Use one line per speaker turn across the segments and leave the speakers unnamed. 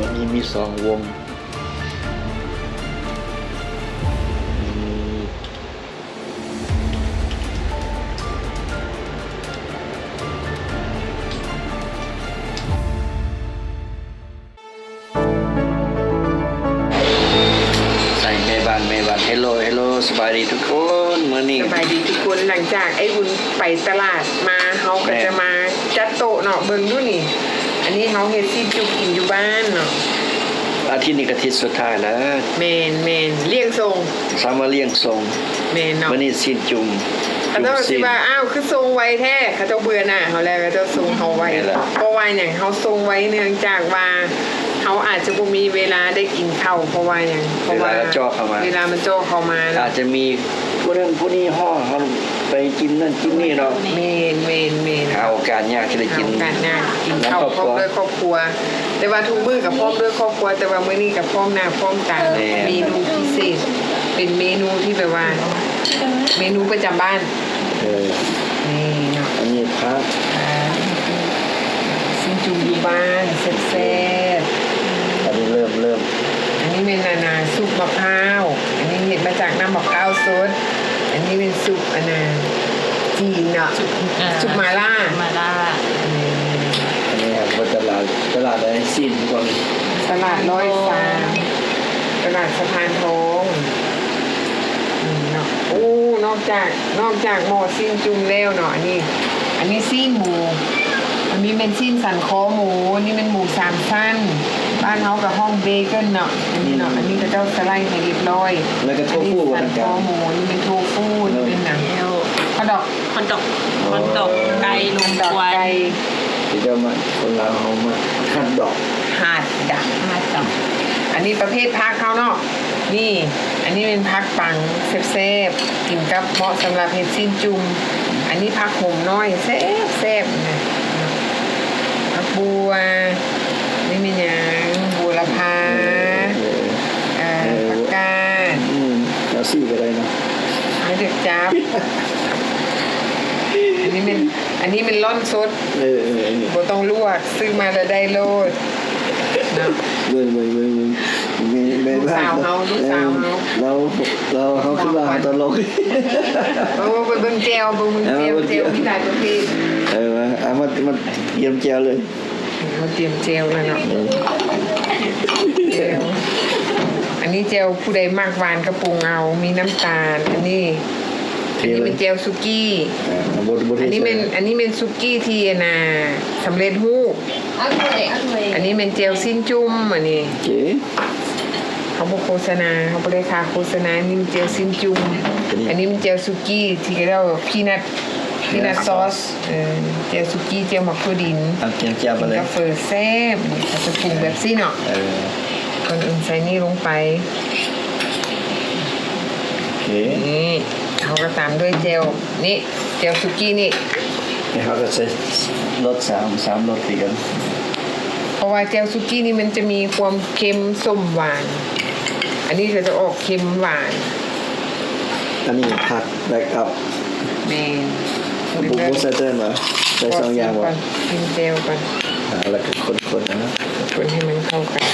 วันนี้มีสองวงใส่แม่บ้านเฮลโลสบายดีทุกคนมื้อนี้
สบายดีทุกคนหลังจากไอ้บุญไปตลาดมาเขาก็จะมาจัดโต๊ะเนาะเบิ่งดูนี่ อันนี้เขาเฮ็ดซีจุกกินอยู่บ้านเนาะ
อาทิตย์นี้ก็อาทิตย์สุดท้ายแล้ว
เมนเลี้ยงทรง
สามารถเลี้ยงทรง
เมนเนาะ
มื้อนี้สิ้นจุ่ม
เขาเจ้าสิว่าอ้าวคือทรงไว้แท้เขาเจ้าเบื่อหน่ะเขาแล้วเขาเจ้าทรงเขาไว้เพราะว่าอย่างเขาทรงไว้เนื่องจากว่าเขาอาจจะบ่มีเวลาได้กินข้าวเพราะว่าอย่างเพราะว่าเวลามันจ่อเข้ามา
อาจจะมีผู้นั้นผู้นี้ห่อเขาไปกินนั่นกินนี่เนาะ
เมน
หาโอกาสยากที่ได้กิน
การงานกินข้าวพร้อมด้วยครอบครัว แต่ว่าทุกมื้อกับพร้อมด้วยครอบครัว แต่ว่ามื้อนี้กับพร้อมหน้าพร้อมตาเมนูพิเศษเป็นเมนูที่แบบว่าเมนูประจำบ้าน นี่เนาะ
อันนี้พัก
ซินจุ่มอยู่บ้านแซ่บ
อันนี้เริ่ม
ๆอันนี้เป็นนาซุปมะพร้าวอันนี้เห็ดมาจากน้ำมะพร้าวสดอันนี้เป็นซุปจีนเนาะซุปมาล่า
อันนี้ครับตลาดอะไรสิ้นทุกคน
ตลาดร้อยสามตลาดสะพานทองเนาะโอ้นอกจากหม้อซีนจุ่มแล้วเนาะอันนี้ซีนหมูอันนี้เป็นซีนสันคอหมูอันนี้เป็นหมูสามชั้นบ้านเขากับห้องเบเกิลเนาะอันนี้เนาะอันนี้ก็เจ้าสไลด์ให้เรียบร้อย
แล้วก็โทฟู
สันคอหมูนี่เป็นโทฟูนี่เป็นหนังข้าวดอก
คอนดอกไก่ลุง
ดอก
ควัน
ไก่
ที่เจ้ามาคนลาวเขามาหั่นดอก
หาดดัก
มาจับ
อันนี้ประเภทพักเขาเนาะนี่ อันนี้เป็นพักปังแซ่บๆกินกับเหมาะสำหรับเห็ดซีนจุ่มอันนี้พักหมน้อยแซ่บๆนะพักบัวนี่มีอย่างบัวละพาผักกาด
เอาซี่ก็ได้นะ
ไม่เด็กจับอันนี้เป็นร่อนสดบ่ต้องลวกซื้อมาแล้วได้โลดเนาะ
ไม่บ้างเราเขาคือว่าตลก
เบิ่งแจวที่หลายประเภท
เอามาเยี่ยมแจวเลย
เขาเตรียมเจลแล้วเนาะเจลอันนี้เจลผู้ใดมากหวานกระปุงเอามีน้ำตาลอันนี้เป็นเจลซุกี้อันนี้เป็นซุกี้ที่สำเร็จรูปอันนี้เป็นเจลสิ้นจุ่มอันนี้เขาบอกโฆษณาเขาบริการโฆษณานี่เป็นเจลสิ้นจุ่มอันนี้เป็นเจลซุกี้ที่เราพีนัทซอสเจลซุกี้เจลมักโคดิน
แจวไปเลย
กาแฟแซ่บเขาจะปรุงแบบซี่เนาะก่อนอื่นใส่นี่ลงไปนี่เขาก็ตามด้วยเจลนี่เจลซุกี้นี่
เขาก็ใช้รสสามรสตีกัน
เพราะว่าเจลซุกี้นี่มันจะมีความเค็มส้มหวาน อันนี้ก็จะออกเค็มหวาน
อันนี้ผักแบกอัพ
เมน
บุกใส่เต้นเหรอใส่สองอย่างวะ
กินเจลก่อน
แล้วก็คนนะ
คนให้มันเข้ากัน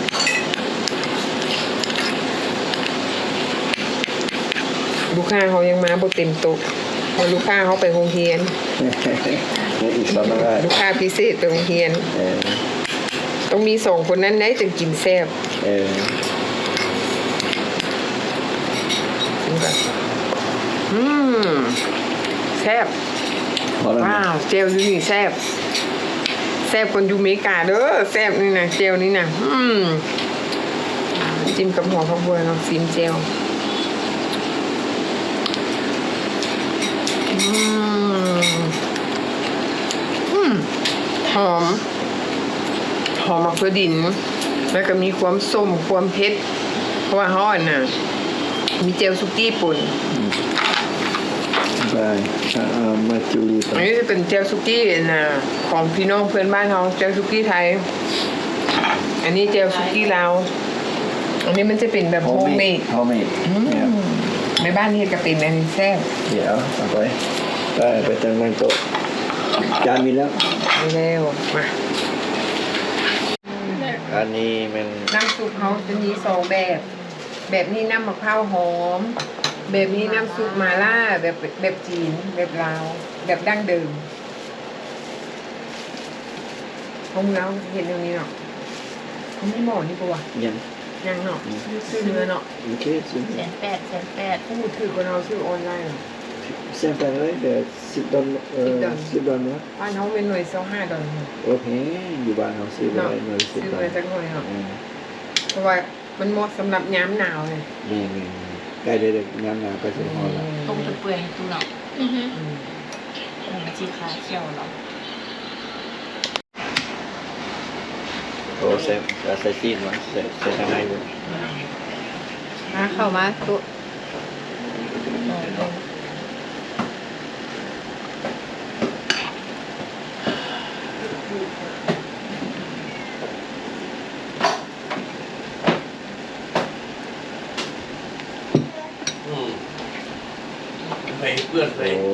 ลูกค้าเขายังมาบ่เต็มโต๊ะเพราะลูกค้าเขาไปโรงเรียน
อีกสองได้
ลูกค้าพิเศษไปโรงเรียนต้องมี2คนนั้นได้จึงกินแซ่บแซ่บว้าวเจลอยู่นี่แซ่บคนอยู่อเมริกาเด้อแซ่บนี่นะเจลนี่นะจิ้มกับหัวข้าวบัวเราซิมเจลหอมมะเขือดินแล้วก็มีความส้มความเผ็ดเพราะว่าฮ้อนน่ะมีเจลซุกี้ป่น
ได้มาจูรี
อันนี้จะเป็นเจลซุกี้ของพี่น้องเพื่อนบ้านเขาเจลซุกี้ไทยอันนี้เจลซุกี้ลาวอันนี้มันจะเป็นแบบโฮมเมดในบ้านนี่ก็เป็นอันนี้แซ่บ
เดี๋ยวเอาไปตั้งโต๊ะจานมีแล้ว
เร็วมา
อันนี้มัน
น้ำซุปเขาจะมีสองแบบ แบบนี้น้ำมะพร้าวหอม แบบนี้น้ำซุปมาล่าแบบจีนแบบลาวแบบดั้งเดิมของเราเห็นตรงนี้เนาะอันนี้หม้อนี่ปะวะ
ยัง
ยังเนาะซื้อเนื้อเนาะ
โอเคซื้อ
180,000
พูดถือกว่าเราซื้อออนไลน์เนาะ
เส้นไปเลยเดี๋ยว10 ดอลนะ
บ้านเขาเป็นหน่วย$25
โอเคอยู่บ้านเราซื้อไปหน่อย10
ซื้อ
ดอล
มาจากหน่วยเนาะเพราะว่ามันเหมาะสำหรับย้ำหนาวเลย
นี่ใกล้ได้งานก็จะพอละ
ต้มจนเปื่อยตู้เนาะ
อืม
มันชีขาเขียวเนาะ
โอ้เซฟใส่ซีนมาใส่ทางในเลย
มาเข้ามาตุ๊
ไปเพื่อนไป
โอ้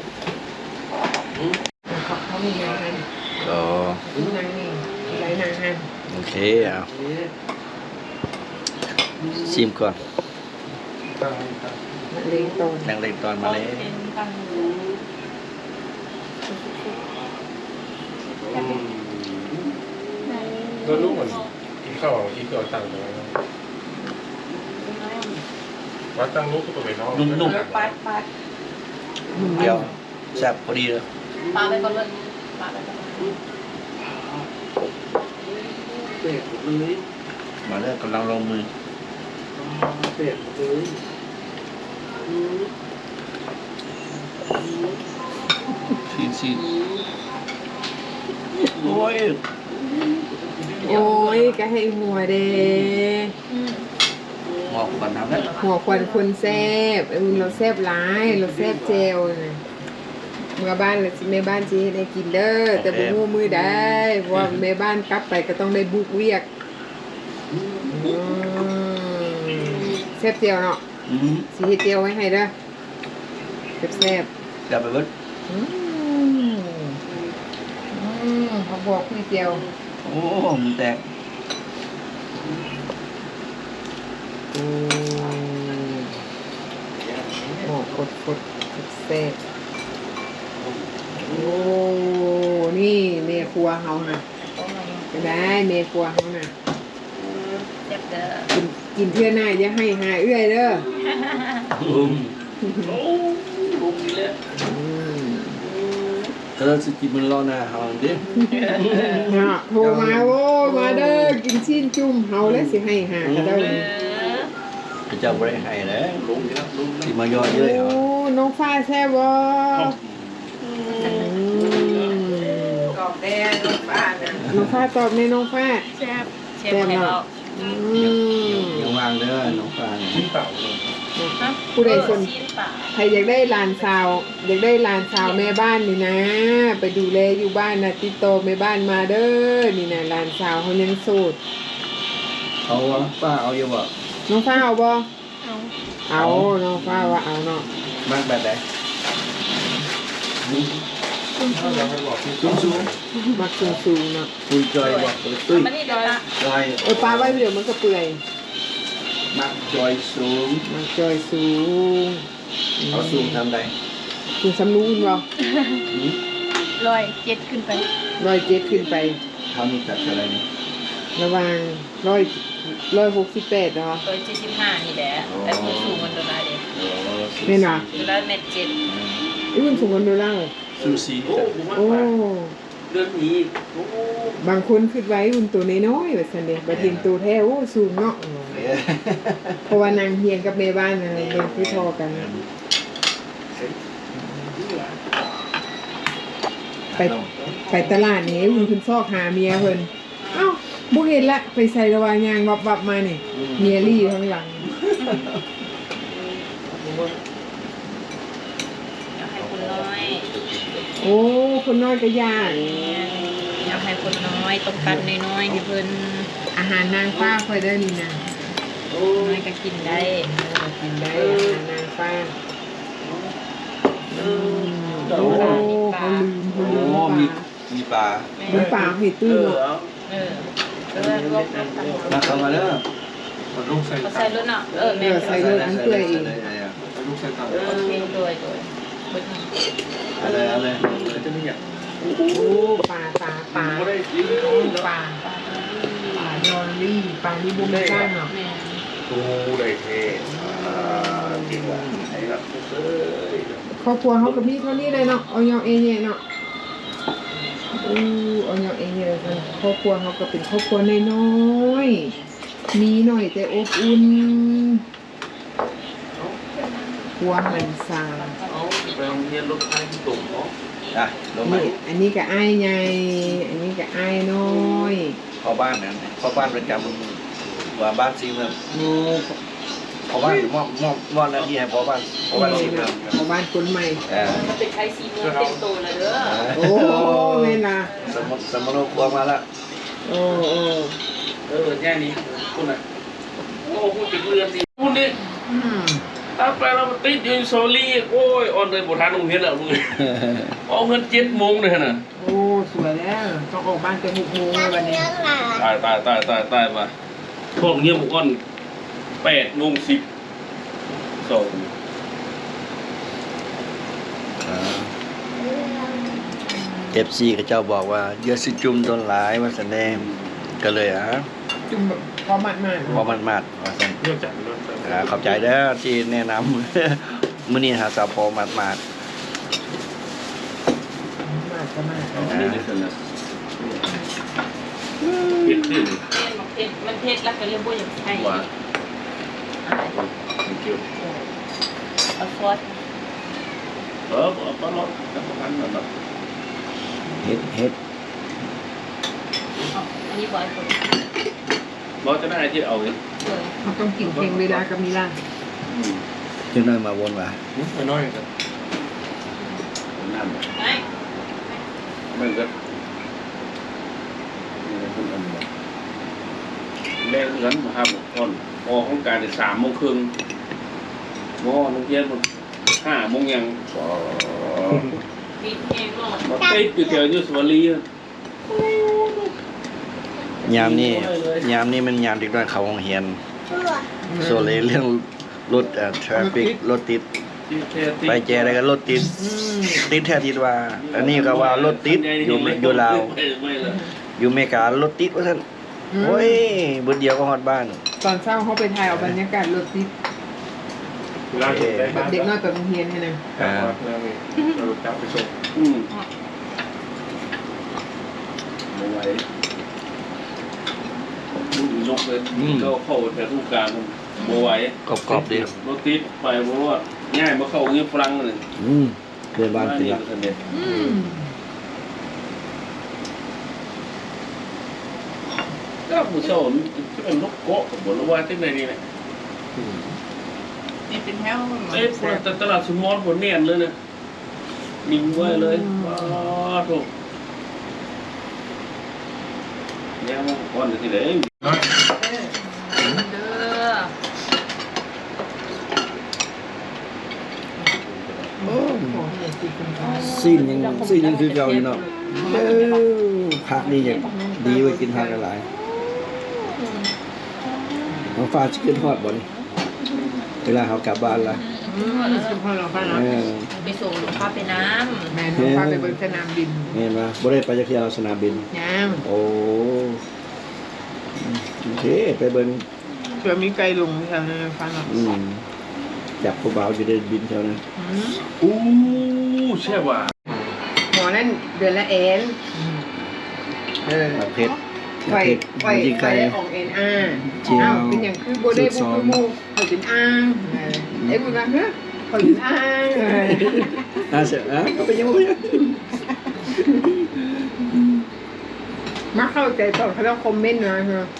เขามีนางฮัน
โอ้
มีนางนี่ไรนางฮัน
โอเคเอาชิมก่อน
มะเร็งต้น
นั่งเล่นตอนมาเลย
เป็นตั้ง
แล้วลูกมันกินข้าวอีกเอาตังค์ไปแล้ววัดตังลูกก็ไปนอก
นุ่ม
ไป
ๆเดี๋ยวแซ่บพอดีเลย
ปลาไปก่อนเลยปลาไปก่อน
มาเลิกกำลังลงมือซีโอ้ย
โอ้ยก็ให้หัวเด้
หมอกก่อนทำแล้ว
หัวควันคนแซบเราแซบร้ายเราแซบเจลนะเมื่อบ้านเราแม่บ้านจีได้กินเด้อแต่บุ้งมือได้เพราะว่าแม่บ้านกลับไปก็ต้องได้บุกเวียกแซบเจลเนาะสีเฮ็ดเจลไว้ให้เด้อแซบ
จะไปเบิด
เขาบอกคุยเจียว
โอ้มันแตก
หมอกกดเซ่โอ้นี่เมครัวเขาน่ะก็ได้เมครัวเขาน่ะ
เจ็บเด้อ
กินเพื่อหน้าอย่าให้หาเอื้อยเด้อ
เธอสกินมันรอหน้าเฮาดิ
เนาะโทรมาโว้มาเด้อกินชิ้นจุ่มเฮาแล้วสิให้หาก็ได้
เจ้าบ่ได้ให้แล้วสิมายอดเยอะ
โอ้
เหรอ
น้องฟ้าแซ่บบ่ตอบแน่น้องฟ้านะน้องฟ้าตอบแน่น้องฟ้า
แซ่บเชฟให้เรา
ยังวางเด้อน้องฟาง
กินเปล่าเลย
ผู้ใดสน
ชิ้นปลา
ใครอยากได้หลานสาว อยากได้หลานสาวแม่บ้านนี่นะ ไปดูแลอยู่บ้านนะติดต่อแม่บ้านมาเด้อนี่นะหลานสาวเขายังโสด
เอาวะป้าเอาอยู่บ่
น้องฟ้าเอาบ่
เอา
เอาน้องฟ้าว่าเอาเนาะ
มากแบบไหน
เราไปบอกที่
สูง
มักสูงๆเนาะ
คุยจอยบ่ตุ้ย
มานี่เดี๋ยวละ
จอย
เออปลาไว้เดี๋ยวมันก็เปื่อย
มักจอยสูง
มักจอยสูง
เอาสูงทำได
สูงสำนูนบ่
107ขึ้นไป
107ขึ้นไป
ทำจากอะไรนี่
ระหว่าง168เนาะ
175นี่แหละแต่ผู้สูงมันโดนได้เด้
แม่นว่ะ
ดูแล้ว1.7
อีหุ่นสูงกว่าโดล่า
ซูซี
โอ้
เรื่องนี้
บางคนคิดไว้หุ่นตัวน้อยๆว่าซั่นเด้บัดเห็นตัวแท้โอ้สูงเนาะ เพราะว่านางเฮียงกับแม่บ้านอะไรเป็นพี่ทอกันนะไปตลาดนี้วุ้นคุณซอกหาเมียเพิ่นเอ้าบุเห็นละไปใส่ระวางยางวับมาเนี่ยเมียรี่อยู่ข้างหลัง
อยากให้คนน้อย
โอ้คนน้อยก็ยาก
อยากให้คนน้อยต้องการน้อยๆให้เพิ่น
อาหารนางฟ้าค่อยได้นี่นะ
น้อยก็กินได้
กินได้อาหารนางฟ้าโอ้เขาลืม
โอ้
ปลา
มีปลา
มันปลาเห็ดตื้อเนาะ
เออรวมกัน
มาเข้ามาเด้อ
มันลูกใส่
เขาใส่รถเนาะแม่
ใส่รถอันเปื่อยอีก
ลูกใส่ตัง
โอเคโดย
อะไร
จะไม่อยาก
โอ้ปลาปลาปลา
ไม่ได้กิน
ปลาดอลลี่ปลาที่บุ้มก้างเนาะ
แม่
ตูได้เท่จริงว่ะไอ้รับเอ้ย
ครอบครัวเขากับพี่เท่านี้เลยเนาะเอายองเอเย่เนาะเอายองเอเย่กันครอบครัวเขาก็เป็นครอบครัวน้อยๆมีหน่อยแต่อบอุ่นครัวหันซา
เอาไปโรงเรียนรถไฟที่ตุ่มเนาะ
อ่ะลงมา
นี่อันนี้ก็อ้ายใหญ่อันนี้ก็อ้ายน้อย
พ่อบ้านนั่นพ่อบ้านประจำว่าบ้านซีเมือง
โอ้
พ่อบ้านมอบหน้าที่ให้พ่อบ้านซีเมือง
ชาวบ้านคนใหม่
มันเป็นไทยซีเมืองเต็มตัวเลยเด้อ
โอ้แม่ล่ะ
สมโนครัวมาละ
โอ้
แค่นี้คุณอ่ะโอ้คุณติดเรือนสิคุณนี่
อืม
ถ้าไปเราติดอยู่โซลี่โอ้ยออนเลยบุทานโรงเรียนแล้วมึงเอาเงิน7 โมงเลยน่ะ
โอ้สวยแล้วต้องออกบ้านแต่6 โมงเลยวันนี้
ตายมาพวกเงี้ยบุกอ่อน8:10ส่ง
FC เขาเจ้าบอกว่าเยอะสิจุ่มต้นหลายว่าแสดงก็เลย
จุ่มแบบพอมัด
พอมันมาดว่าซั่น
เรื่องจัดเรื่องจัด
ขอบใจเด้อที่แนะนำ มื้อนี้หาสาวพอมาด
มาดก็มาด
นี่นี่คือผิดที่
มันเพชรแล้วก็เรียกว่าอย่างไทย
ว่าเกี่ยว
เอาซอส
เอาปลาล็อตกับพันนั่นน่ะ
เฮ็ด
อันนี้บอยคน
เราจะได้ที่เอาเลย
เขาต้องกินเพลงเวลากับมีล่า
จังน้อยมาวนว่า
ไม่น้อยกันนั่น
ไอ้
มันก็แรงเงินมาครับก่อนออกของการ3 โมงครึ่งมอโรงเรียนมัน5 โมงยัง
ปีนเองรอด
มาติดอยู่แถวยุสวรี
ยามนี้มันยามเด็กน้อยเข้าโรงเรียนโซเลเรื่องรถทราฟิกรถติดไปแจอะไรกันรถติดติดแท้ติดว่า อันนี้ก็ว่ารถติดอยู่ลาวอยู่อเมริการถติดว่าซั่นโอ้ยบุดเดียวก็ฮอดบ้าน
ตอนเช้าเขาไปถ่ายเอาบรรยากาศรถติด
เราเห็นได้
แบบเด็กน้อยไปโรงเรียนให้นะ
เราจับไปส่งมาไว้ยกเลยก็เข้าแถวทุกการมาไว้
กรอบๆดี
รถติดไปเพราะว่าง่ายมาเข้าเงี้ยฝรั่งเลย
เพื่อนบ้านกินละ
ก็ผู้เช่าจะเป็นนกเกาะกับบนว่าที่ไหนนี่แหละ
นี่เป็นแถว
เอ้ยแต่ตลาดสมอลผลเนียนเลยนะนิ่งไว้เลยว้าถูกเนี่ยมันก่อนที่ไหน
เด้อ
ซีนยังคือเก่าอยู่เนาะผักนี่ยังดีไว้กินผักหลายน้องฟ้าจะขึ้นฮอดบ่นี่เวลาเขากลับบ้านละ
สุภาพเราไปเนาะ
ไปส่งหลวงพ่อไปน้ำ
แม่น้องพาไปบนสนามบิน
เห็นป่ะบ่ได้ไปจักเที่ยวสนามบิน
ยัง
โอ้โอเคไปเบิ่ง
เผื่อมีไกลลงแถวนั้นฟังเนาะ
จับผู้บ่าวอยู่ได้บินแถวนั้น
อู้ใช่ว่า
หมอนั่นเดือนละเอ็น
ประเภท
ไฟ
มันยิงไกล
ออกเอ็นอาอ้าวเป็นอย่างคือโบได้บุกมูเขาเป็นอ้างไอ้บุญนะเฮ้ยเขาเป็นอ้าง
เสียก็เป็นยังไง
มาเข้าใจตอนเขาต้องคอมเมนต์นะฮะ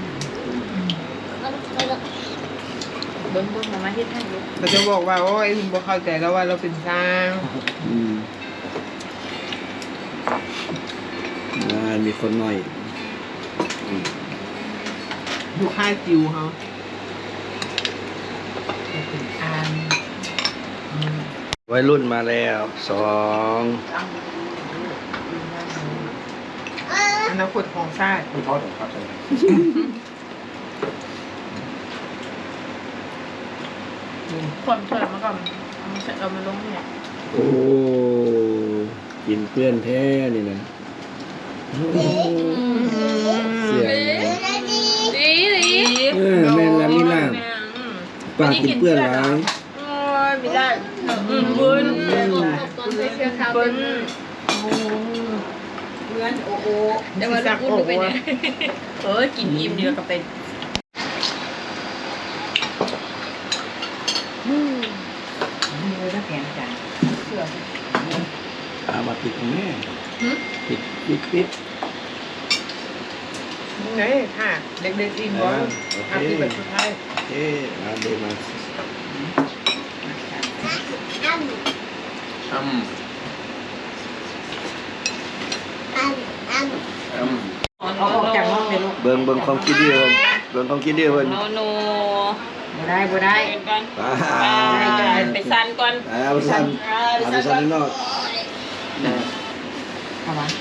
เบิ้งมาที่ท่านลูก
เราจะบอกว่าโอ้ยคุณบ่เข้าใจแล้วว่าเราเป็นสร้าง
มีคนหน่อย
อยู่ค่ายจิวเขาเป็นอ้าง
วัยรุ่นมาแล้ว2
อันนาคตของชาติ
ไม่ทอดหรอกครับ
คนเปิดมาก่อนเอามาลงเนี่ย
โอ้กินเพื่อนแท้นี่นะเสียง
ดีดี
แม่นละมีล่างปากกินเปื้อนหลาย
โอ้ยไม่ได้บุญบุญ
เพื่อนโอ้โห
เดี๋ยวมาลูกอุ่นไปเนี่ยกินอิ่มดีกว่ากับเป็น
มีเลยนะแผนจ้ะเชื่อ
เอามาปิดตรงนี้ปิด
ไงค่ะเด็กๆอิ่มบ่อาที่แบบสุดท้าย
โอเคมาเดมา
อ้ำ
เอาออกจากห้องเลยลูก
เบิ่งความคิดดีเพิ่นเบิ่งความคิดดีเพิ่น
โนโน
บ่ได้
ไปก่อน ไปซันก่อน
เอาไปสั่นข้างนอก
เข้ามา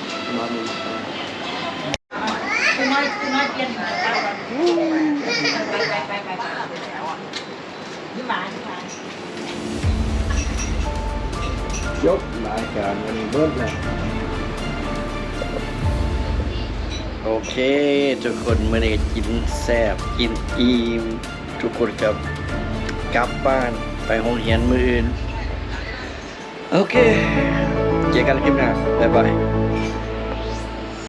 คุณน้อยเปลี่ยนหัวก่อนไปยี่หมา
ยกรายการวันนี้เบิดแล้วโอเคทุกคนมื้อนี้กินแซ่บกินอิ่มทุกคนกับกลับบ้านไปโรงเรียนมื้ออื่นโอเคเจอกันคลิปหน้าบ๊ายบาย